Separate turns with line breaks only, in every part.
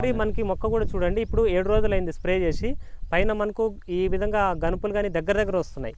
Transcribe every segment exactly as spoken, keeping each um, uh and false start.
మనకి మొక్క కూడా చూడండి, ఇప్పుడు ఏడు రోజులైంది స్ప్రే చేసి, పైన మనకు ఈ విధంగా గనుపులు కానీ దగ్గర దగ్గర వస్తున్నాయి.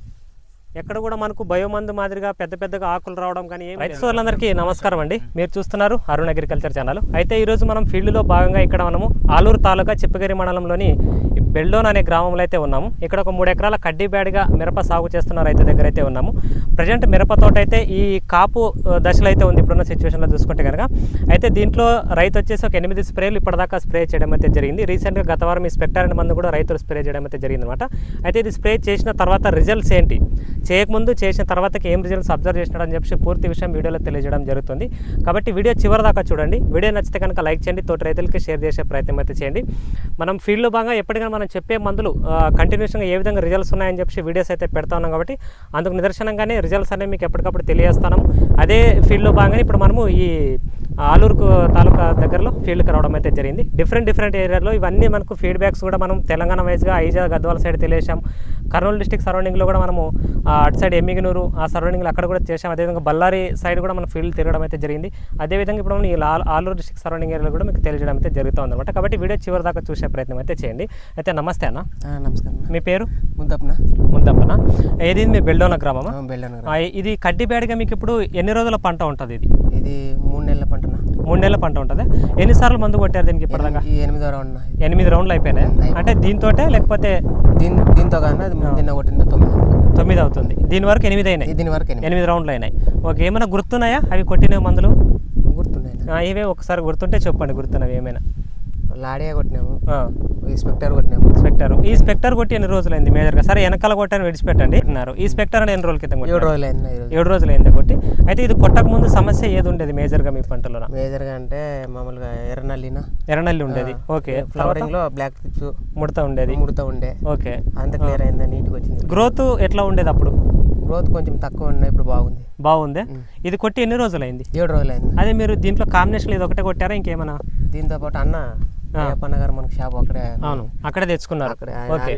ఎక్కడ కూడా మనకు బయోమందు మాదిరిగా పెద్ద పెద్దగా ఆకులు రావడం కానీ ఏమి. రైతు సోదరులందరికీ నమస్కారం అండి. మీరు చూస్తున్నారు అరుణ్ అగ్రికల్చర్ ఛానల్. అయితే ఈరోజు మనం ఫీల్డ్లో భాగంగా ఇక్కడ మనము ఆలూరు తాలూకా చిప్పగిరి మండలంలోని బెల్డోన్ అనే గ్రామంలో అయితే ఉన్నాము. ఇక్కడ ఒక మూడు ఎకరాల కడ్డీ బ్యాడ్గా మిరప సాగు చేస్తున్న రైతు దగ్గర అయితే ఉన్నాము. ప్రజెంట్ మిరప తోట అయితే ఈ కాపు దశలో అయితే ఉంది ఇప్పుడున్న సిచ్యువేషన్లో చూసుకుంటే కనుక. అయితే దీంట్లో రైతు వచ్చేసి ఒక ఎనిమిది స్ప్రేలు ఇప్పటిదాకా స్ప్రే చేయడం అయితే జరిగింది. రీసెంట్గా గత వారం ఈ స్పెక్టర్ అనే మందు కూడా రైతులు స్ప్రే చేయడం అయితే జరిగింది అనమాట. అయితే ఇది స్ప్రే చేసిన తర్వాత రిజల్ట్స్ ఏంటి, చేయకముందు చేసిన తర్వాతకి ఏం రిజల్ట్స్ అబ్జర్వ్ చేసినాడు అని చెప్పి పూర్తి విషయం వీడియోలో తెలియజేయడం జరుగుతుంది. కాబట్టి వీడియో చివరి దాకా చూడండి. వీడియో నచ్చితే కనుక లైక్ చేయండి, తోటి రైతులకి షేర్ చేసే ప్రయత్నం అయితే చేయండి. మనం ఫీల్డ్లో భాగంగా ఎప్పటికైనా మనం చెప్పే మందులు కంటిన్యూషన్గా ఏ విధంగా రిజల్ట్స్ ఉన్నాయని చెప్పి వీడియోస్ అయితే పెడతా ఉన్నాం. కాబట్టి అందుకు నిదర్శనంగానే రిజల్ట్స్ అనేవి మీకు ఎప్పటికప్పుడు తెలియజేస్తాను. అదే ఫీల్డ్లో భాగంగానే ఇప్పుడు మనము ఈ ఆలూరు తాలూకా దగ్గరలో ఫీల్డ్కి రావడం అయితే జరిగింది. డిఫరెంట్ డిఫరెంట్ ఏరియాలో ఇవన్నీ మనకు ఫీడ్బ్యాక్స్ కూడా మనం తెలంగాణ వైజ్గా ఐజా గద్వాల సైడ్ తెలియజేసాం. కర్నూలు డిస్టిక్ సరౌండింగ్లో కూడా మనము అటు సైడ్ ఎమ్మిగనూరు ఆ సరౌండింగ్లో అక్కడ కూడా చేసాం. అదేవిధంగా బళ్ళారి సైడ్ కూడా మనం ఫీల్డ్ తిరగడం అయితే జరిగింది. అదేవిధంగా ఇప్పుడు మనం ఈ ఆలూరు డిస్టిక్ సరౌండింగ్ ఏరియాలో కూడా మీకు తెలియజేయడం అయితే జరుగుతుంది అనమాట. కాబట్టి వీడియో చివరి దాకా చూసే ప్రయత్నం అయితే చేయండి. అయితే నమస్తే అన్న.
నమస్కారం.
మీ పేరు?
ముద్దప్పన.
ముద్దప్పన. ఏది మీ బెల్డోన గ్రామమా?
బెల్డోన.
ఇది కడ్డీ బ్యాడ్గా మీకు ఇప్పుడు ఎన్ని రోజుల పంట ఉంటుంది? ఇది
ఇది మూడు నెలల పంటనా?
మూడు నెలల పంట ఉంటుంది. ఎన్నిసార్లు మందు కొట్టారు దీనికి ఇప్పటిదాకా?
ఎనిమిది రౌండ్.
ఎనిమిది రౌండ్లు అయిపోయినాయి. అంటే దీంతో లేకపోతే
దీని దీంతో కానీ దీన్ని కొట్టింది తొమ్మిది
తొమ్మిది అవుతుంది. దీని వరకు ఎనిమిది అయినాయి.
దీని వరకు
ఎనిమిది రౌండ్లు అయినాయి. ఓకే, ఏమైనా గుర్తున్నాయా అవి కొట్టిన మందులు?
గుర్తున్నాయి.
ఇవే ఒకసారి గుర్తుంటే చెప్పండి, గుర్తున్నవి ఏమైనా.
లాడియా కొట్టినాము, ఈ స్పెక్టర్ కొట్టినాము.
స్పెక్టర్ ఈ స్పెక్టర్ కొట్టి ఎన్ని రోజులైంది మేజర్గా? సరే వెనకాల కొట్టాను విడిచిపెట్టండి. ఈ స్పెక్టర్ అని ఎన్ని రోజుల క్రితం?
ఏడు రోజులు అయింది.
ఏడు రోజులు అయింది కొట్టి. అయితే ఇది కొట్టక ముందు సమస్య ఏది ఉండేది మేజర్గా మీ పంటలో?
మేజర్గా అంటే మామూలుగా ఎర్రనల్లినా
ఎర్రనల్లి ఉండేది. ఓకే,
ఫ్లవరింగ్ లో బ్లాక్ టిప్స్
ముడత ఉండేది.
ముడత ఉండే.
ఓకే,
అంత క్లియర్ అయిందా? నీట్గా వచ్చింది.
గ్రోత్ ఎట్లా ఉండేది అప్పుడు?
గ్రోత్ కొంచెం తక్కువ ఉన్నాయి, ఇప్పుడు బాగుంది.
బాగుంది. ఇది కొట్టి ఎన్ని రోజులు అయింది?
ఏడు రోజులు అయింది.
అదే మీరు దీంట్లో కాంబినేషన్ ఇది ఒకటే కొట్టారా ఇంకేమన్నా?
దీంతో పాటు అన్న గారు మనకు షాప్ అక్కడే.
అవును, అక్కడే తెచ్చుకున్నారు. ఓకే,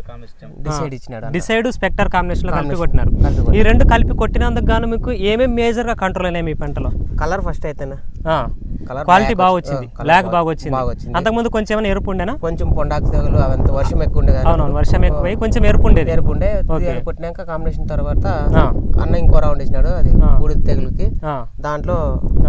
డిసైడ్ ఇచ్చినాడు.
డిసైడ్ స్పెక్టర్ కాంబినేషన్ లో కలిపి కొట్టినారు. ఈ రెండు కలిపి కొట్టినందుకు గాను మీకు ఏమేమి మేజర్ గా కంట్రోల్ అయినాయి మీ పంటలో?
కలర్ ఫస్ట్ అయితేనా
క్వాలిటీ బాగా వచ్చింది, బ్లాక్ బాగా వచ్చింది. అంతకుముందు కొంచెం ఏమైనా ఎరుపు ఉండేనా?
కొంచెం పొండాకు తెగులు అవంతా వర్షం ఎక్కువ ఉండేది.
అవును, వర్షం ఎక్కువ కొంచెం ఎరుపు ఉండేది.
ఎరుపు ఉండే. కొట్టినాక కాంబినేషన్ తర్వాత అన్న ఇంకో రౌండ్ ఇచ్చినాడు అది బూడిద తెగులుకి. దాంట్లో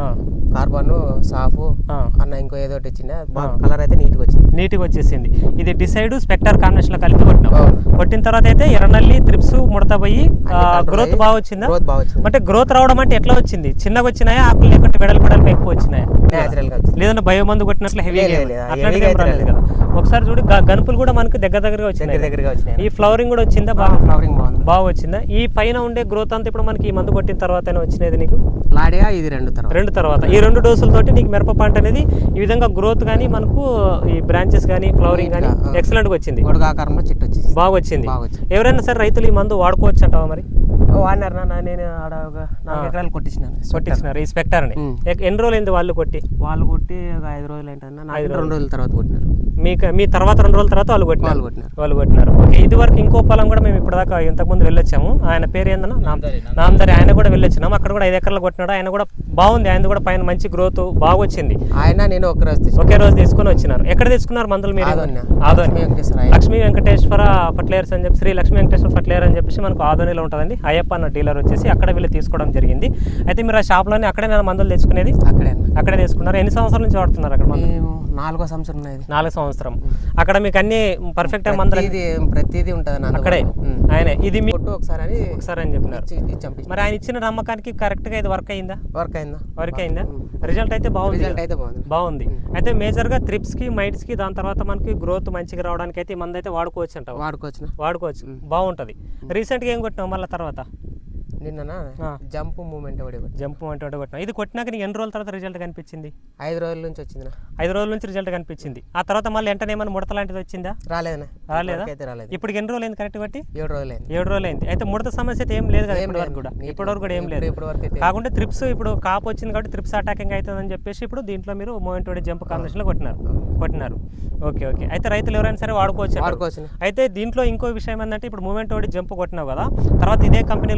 కార్బన్ సాఫ్ అన్న ఇంకో ఏదో ఒకటి ఇచ్చిండే. కలర్ అయితే నీట్గా వచ్చింది.
నీట్గా వచ్చేసింది. ఇది డిసైడ్ స్పెక్టర్ కాంబినేషన్ లో కలిపి కొట్టినాం. కొట్టిన తర్వాత అయితే ఎర్రనల్లి త్రిప్స్ ముడత పోయి గ్రోత్ బాగా వచ్చిందా?
గ్రోత్ బాగా వచ్చింది.
అంటే గ్రోత్ రావడం అంటే ఎట్లా వచ్చింది? చిన్నగా వచ్చినాయా, ఆకులు లేకుంటే వెడల్ పెడల్పి ఎక్కువ వచ్చినాయా?
నేచురల్ గా వచ్చింది.
లేదంటే బయో మందు కొట్టినట్లు హెవీ అట్లాంటి రాలేదు కదా. ఒకసారి చూడు, గనుపులు కూడా మనకు దగ్గర దగ్గరగా వచ్చినాయి.
దగ్గరగా వచ్చినాయి.
ఈ ఫ్లవరింగ్ కూడా వచ్చిందా?
ఫ్లవరింగ్ బాగుంది.
బాగా వచ్చిందా? ఈ పైన ఉండే గ్రోత్ అంతా ఇప్పుడు మనకి ఈ మందు కొట్టిన తర్వాత వచ్చినది నీకు?
లాడియా ఇది రెండు తర్వాత
రెండు తర్వాత ఈ రెండు డోసులతోటి నీకు మిరప పంట అనేది ఈ విధంగా గ్రోత్ కానీ మనకు ఈ బ్రాంచెస్ కానీ ఫ్లవరింగ్ కానీ ఎక్సలెంట్ గా వచ్చింది.
గొడుగాకారంలో చెట్టు వచ్చింది.
బాగా వచ్చింది. ఎవరైనా సరే రైతులు ఈ మందు వాడుకోవచ్చు అంటావా మరి?
వాడినారు. నేను ఆడ ఒక నాలుగు ఎకరాలు కొట్టించినాను.
కొట్టించినారు ఈ స్పెక్టర్ ని. ఎన్ని రోజులు అయింది వాళ్ళు కొట్టి?
వాళ్ళు కొట్టి ఒక ఐదు రోజులు ఏంటన్నా ఐదు రెండు రోజుల తర్వాత కొట్టినారు.
మీకు మీ తర్వాత రెండు రోజుల తర్వాత వాళ్ళు కొట్టినారు.
వాళ్ళు కొట్టినారు
వాళ్ళు కొట్టినారు ఓకే, ఇది వరకు ఇంకో పొలం కూడా మేము ఇప్పటిదాకా ఇంతకుముందు వెళ్ళొచ్చాము. ఆయన పేరు ఏందన్నా? నామదారి. ఆయన కూడా వెళ్ళొచ్చినాము. అక్కడ కూడా ఐదు ఎకరాలు కొట్టినాడు. ఆయన కూడా బాగుంది. ఆయన కూడా పైన మంచి గ్రోత్ బాగా వచ్చింది.
ఆయన నేను ఒక రోజు
ఒకే రోజు తీసుకుని వచ్చినారు. ఎక్కడ తీసుకున్నారు మందులు మీరు? ఆదోని లక్ష్మీ వెంకటేశ్వర ఫర్టిలైజర్స్ అని చెప్పి, శ్రీ లక్ష్మీ వెంకటేశ్వర ఫర్టిలైజర్ అని చెప్పేసి మనకు ఆదోనిలో ఉంటుందండి. అయ్యప్ప అన్న డీలర్ వచ్చేసి అక్కడ వీళ్ళు తీసుకోవడం జరిగింది. అయితే మీరు ఆ షాప్లోనే అక్కడే నేను మందులు తెచ్చుకునేది?
అక్కడే అక్కడే
తీసుకున్నారు. ఎన్ని సంవత్సరాల నుంచి వాడుతున్నారు అక్కడ?
నాలుగో సంవత్సరం.
నాలుగో సంవత్సరం. అక్కడ మీకు అన్ని పర్ఫెక్ట్ మందులు
ప్రతిదీ ఉంటుంది
అక్కడే. ఆయన ఇది మీ
ఒకసారి
ఒకసారి అని చెప్పినారు. మరి ఆయన ఇచ్చిన నమ్మకానికి కరెక్ట్ గా ఇది వర్క్ అయిందా?
వర్క్ అయిందా?
వర్క్ అయిందా? రిజల్ట్ అయితే బాగుంది.
రిజల్ట్ అయితే బాగుంది.
బాగుంది. అయితే మేజర్ గా త్రిప్స్ కి మైట్స్ కి దాని తర్వాత మనకి గ్రోత్ మంచిగా రావడానికి అయితే ఈ మందు అయితే వాడుకోవచ్చు అంట.
వాడుకోవచ్చు
వాడుకోవచ్చు బాగుంటది. రీసెంట్ గా ఏం కొట్టినావు మళ్ళీ తర్వాత?
నిన్న జంప్ మూమెంట్
జంప్ మూమెంట్ ఒకటి కొట్టినా. ఇది కొట్టినాక నీకు ఎన్ని రోజుల తర్వాత రిజల్ట్ కనిపించింది?
ఐదు రోజుల నుంచి వచ్చింది.
ఐదు రోజుల నుంచి రిజల్ట్ కనిపించింది. ఆ తర్వాత మళ్ళీ వెంటనే ఏమైనా ముడత లాంటిది వచ్చిందా?
రాలేదన్నా.
రాలేదా?
రాలేదు.
ఇప్పుడు ఎన్ని రోజులు అయింది కరెక్ట్ బట్టి?
ఏడు రోజులు అయింది.
ఏడు రోజులు అయింది. అయితే ముడత సమస్య అయితే ఏం లేదు కదా ఇప్పటి వరకు కూడా? ఇప్పటి వరకు కూడా ఏం లేదు. కాకుండా త్రిప్స్ ఇప్పుడు కాపు వచ్చింది కాబట్టి త్రిప్స్ అటాకింగ్ అవుతుందని చెప్పేసి ఇప్పుడు దీంట్లో మీరు మూమెంట్ ఒకటి జంప్ కాంబినేషన్ లో కొట్టినారు కొట్టినారు ఓకే ఓకే. అయితే రైతులు ఎవరైనా సరే వాడుకోవచ్చు.
వాడుకోవచ్చు.
అయితే దీంట్లో ఇంకో విషయం ఏంటంటే ఇప్పుడు మూమెంట్ ఒకటి జంప్ కొట్టినావు కదా, తర్వాత ఇదే కంపెనీలో నీకు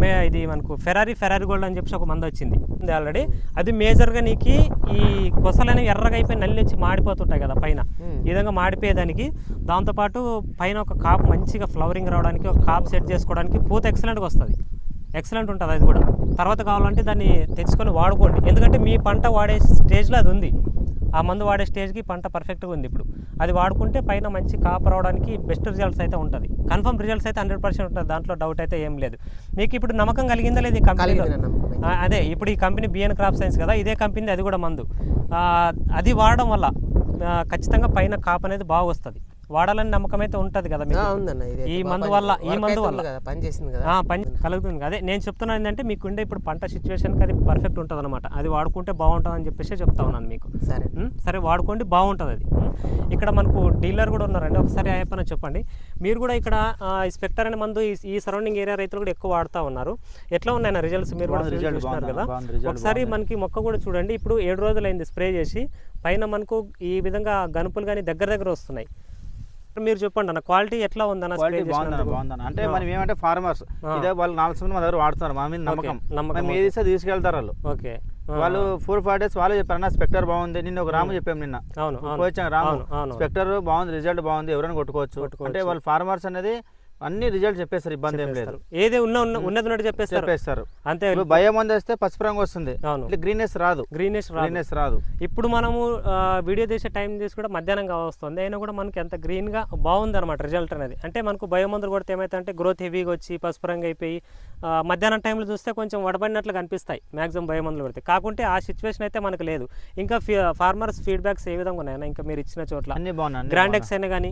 మే ఇది మనకు ఫెరారీ ఫెరారీ గోల్డ్ అని చెప్పి ఒక మందు వచ్చింది ఆల్రెడీ. అది మేజర్గా నీకు ఈ కొసలు అనేవి ఎర్రగా అయిపోయి నల్లి వచ్చి మాడిపోతుంటాయి కదా పైన, ఈ విధంగా మాడిపోయేదానికి, దాంతోపాటు పైన ఒక కాపు మంచిగా ఫ్లవరింగ్ రావడానికి, ఒక కాపు సెట్ చేసుకోవడానికి పూత ఎక్సలెంట్గా వస్తుంది, ఎక్సలెంట్ ఉంటుంది అది కూడా. తర్వాత కావాలంటే దాన్ని తెచ్చుకొని వాడుకోండి, ఎందుకంటే మీ పంట వాడే స్టేజ్లో అది ఉంది, ఆ మందు వాడే స్టేజ్కి పంట పర్ఫెక్ట్గా ఉంది. ఇప్పుడు అది వాడుకుంటే పైన మంచి కాపు రావడానికి బెస్ట్ రిజల్ట్స్ అయితే ఉంటుంది, కన్ఫర్మ్ రిజల్ట్స్ అయితే హండ్రెడ్ పర్సెంట్ ఉంటుంది, దాంట్లో డౌట్ అయితే ఏం లేదు. మీకు ఇప్పుడు నమ్మకం కలిగిందా లేదు ఈ కంపెనీలో? అదే ఇప్పుడు ఈ కంపెనీ బిఎన్ క్రాప్ సైన్స్ కదా, ఇదే కంపెనీ అది కూడా మందు. అది వాడడం వల్ల ఖచ్చితంగా పైన కాపు అనేది బాగా వస్తుంది, వాడాలని నమ్మకం అయితే ఉంటుంది కదా మీకు ఈ మందు వల్ల. ఈ మందు వల్ల
పని చేసింది కదా,
పని కలుగుతుంది. అదే నేను చెప్తున్నాను ఏంటంటే మీకుండే ఇప్పుడు పంట సిచ్యువేషన్కి అది పర్ఫెక్ట్ ఉంటుంది అనమాట, అది వాడుకుంటే బాగుంటుంది అని చెప్పేసి చెప్తా ఉన్నాను మీకు.
సరే
సరే వాడుకోండి, బాగుంటుంది అది. ఇక్కడ మనకు డీలర్ కూడా ఉన్నారండి, ఒకసారి అయిపోయినా చెప్పండి. మీరు కూడా ఇక్కడ స్పెక్టర్ అనే మందు ఈ సరౌండింగ్ ఏరియా రైతులు కూడా ఎక్కువ వాడుతూ ఉన్నారు. ఎట్లా ఉన్నాయి రిజల్ట్స్? మీరు కూడా చూస్తున్నారు కదా, ఒకసారి మనకి మొక్క కూడా చూడండి. ఇప్పుడు ఏడు రోజులైంది స్ప్రే చేసి, పైన మనకు ఈ విధంగా గనుపులు కానీ దగ్గర దగ్గర వస్తున్నాయి. మీరు చెప్పండి అన్న, క్వాలిటీ ఎట్లా ఉందన్న?
బాగుందన్న. అంటే మనం ఏమంటే ఫార్మర్స్ ఇదే వాళ్ళు నాలుగు మంది మా దగ్గర వాడుతున్నారు, మా మీద నమ్మకం, నమ్మకం ఏది ఇస్తే తీసుకెళ్తారు వాళ్ళు.
ఓకే,
వాళ్ళు ఫోర్ ఫైవ్ డేస్ వాళ్ళే చెప్పారు అన్న స్పెక్టర్ బాగుంది. నిన్న ఒక రాము చెప్పాము, నిన్న వచ్చాను రాము స్పెక్టర్ బాగుంది, రిజల్ట్ బాగుంది, ఎవరైనా కొట్టుకోవచ్చు. అంటే వాళ్ళు ఫార్మర్స్ అనేది అన్ని రిజల్ట్ చెప్పేస్తారు, ఇబ్బంది ఏం లేదు,
ఏది ఉన్న ఉన్నది ఉన్నట్టు చెప్పేస్తారు
చెప్పేస్తారు
అంతే.
భయం మంది వస్తే పసుపు రంగు వస్తుంది, గ్రీనెస్ రాదు,
గ్రీనెస్
గ్రీనెస్ రాదు.
ఇప్పుడు మనము వీడియో తీసే టైం తీసి కూడా మధ్యాహ్నం వస్తుంది, అయినా కూడా మనకి ఎంత గ్రీన్ గా బాగుంది అనమాట రిజల్ట్ అనేది. అంటే మనకు భయం మందులు కొడితే ఏమైతే గ్రోత్ హెవీగా వచ్చి పసుపు రంగు అయిపోయి మధ్యాహ్నం టైంలో చూస్తే కొంచెం వడబడినట్లు కనిపిస్తాయి మ్యాక్సిమం భయం మందులు కొడితే. కాకుంటే ఆ సిచ్యువేషన్ అయితే మనకు లేదు. ఇంకా ఫార్మర్స్ ఫీడ్బ్యాక్స్ ఏ విధంగా ఉన్నాయన్నా ఇంకా మీరు ఇచ్చిన చోట్ల?
అన్ని బాగున్నాయి,
గ్రాండెక్స్ అయినా కానీ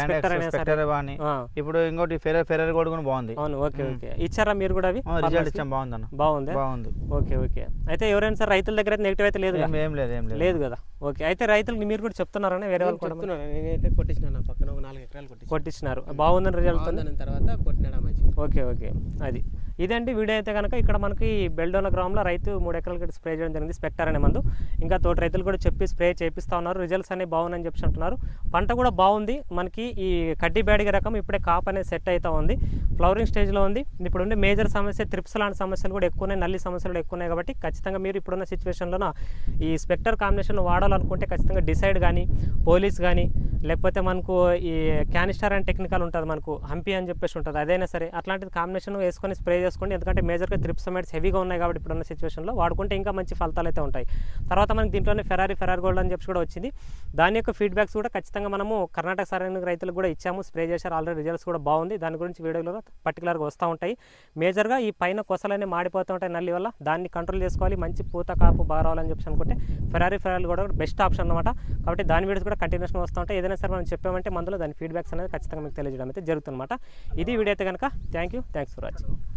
ఇప్పుడు ఇంకోటి ఫెరర్ ఫెరర్ కూడా బాగుంది.
అవును, ఓకే ఓకే. ఇచ్చారా మీరు కూడా? అవి
రిజల్ట్ ఇచ్చాం, బాగుంది,
బాగుంది బాగుంది. Okay okay. అయితే ఎవరైనా సార్ రైతుల దగ్గర అయితే నెగిటివ్ అయితే లేదు
ఏం లేదు ఏం
లేదు కదా? ఓకే. అయితే రైతులకు మీరు కూడా చెప్తున్నారని వేరే వాళ్ళు కూడా
నేనైతే కొట్టించిన పక్కన ఒక నాలుగు ఎకరాలు
కొట్టించినారు, బాగుందని రిజల్ట్
తర్వాత కొట్టినాడు మంచి.
Okay okay. అది ఇదండి వీడియో అయితే కనుక. ఇక్కడ మనకి బెల్డోన గ్రామంలో రైతు మూడు ఎకరాలకి స్ప్రే చేయడం జరిగింది స్పెక్టర్ అనే మందు. ఇంకా తోటి రైతులు కూడా చెప్పి స్ప్రే చేపిస్తూ ఉన్నారు, రిజల్ట్స్ అనేవి బాగున్నాయని చెప్పి అంటున్నారు. పంట కూడా బాగుంది మనకి. ఈ కడ్డీ బ్యాడిగ రకం ఇప్పుడే కాప్ అనేది సెట్ అవుతా ఉంది, ఫ్లవరింగ్ స్టేజ్లో ఉంది. ఇప్పుడు ఉండే మేజర్ సమస్య త్రిప్స్ లాంటి సమస్యలు కూడా ఎక్కువ ఉన్నాయి, నల్లి సమస్యలు ఎక్కువ ఉన్నాయి. కాబట్టి ఖచ్చితంగా మీరు ఇప్పుడున్న సిచ్యువేషన్లో ఈ స్పెక్టర్ కాంబినేషన్ వాడాలనుకుంటే ఖచ్చితంగా డిసైడ్ కానీ, పోలీస్ కానీ, లేకపోతే మనకు ఈ క్యానిస్టర్ అండ్ టెక్నికల్ ఉంటుంది, మనకు హంపీ అని చెప్పేసి ఉంటుంది, అదైనా సరే అట్లాంటిది కాంబినేషన్ వేసుకొని స్ప్రే చేసుకోండి. ఎందుకంటే మేజర్గా త్రిప్సమైడ్స్ హెవీగా ఉన్నాయి కాబట్టి ఇప్పుడున్న సిచ్యువేషన్లో వాడుకుంటే ఇంకా మంచి ఫలితాలు అయితే ఉంటాయి. తర్వాత మనకి దీంట్లోనే ఫెరారీ ఫెరారీ గోల్డ్ అని చెప్పి కూడా వచ్చింది. దాని యొక్క ఫీడ్బ్యాక్స్ కూడా ఖచ్చితంగా మనము కర్ణాటక సరైన రైతులకు కూడా ఇచ్చాము, స్ప్రే చేశారు ఆల్రెడీ, రిజల్ట్స్ కూడా బాగుంది. దాని గురించి వీడియోలో పర్టికులర్గా వస్తూ ఉంటాయి. మేజర్గా ఈ పైన కొసలనే మాడిపోతూ ఉంటాయి నల్లి వల్ల, దాన్ని కంట్రోల్ చేసుకోవాలి, మంచి పూత కాపు బాగా రావాలని చెప్పి అనుకుంటే ఫెరారీ ఫెరారీ కూడా బెస్ట్ ఆప్షన్ అనమాట. కాబట్టి దాని వీడియోస్ కూడా కంటిన్యూషన్ వస్తూ ఉంటాయి. ఏదైనా సరే మనం చెప్పామంటే మందులో దాని ఫీడ్బ్యాక్స్ అనేది ఖచ్చితంగా మీకు తెలియజేయడం అయితే జరుగుతుందన్నమాట. ఇది వీడియో అయితే కనుక. Thank you, thanks for watching.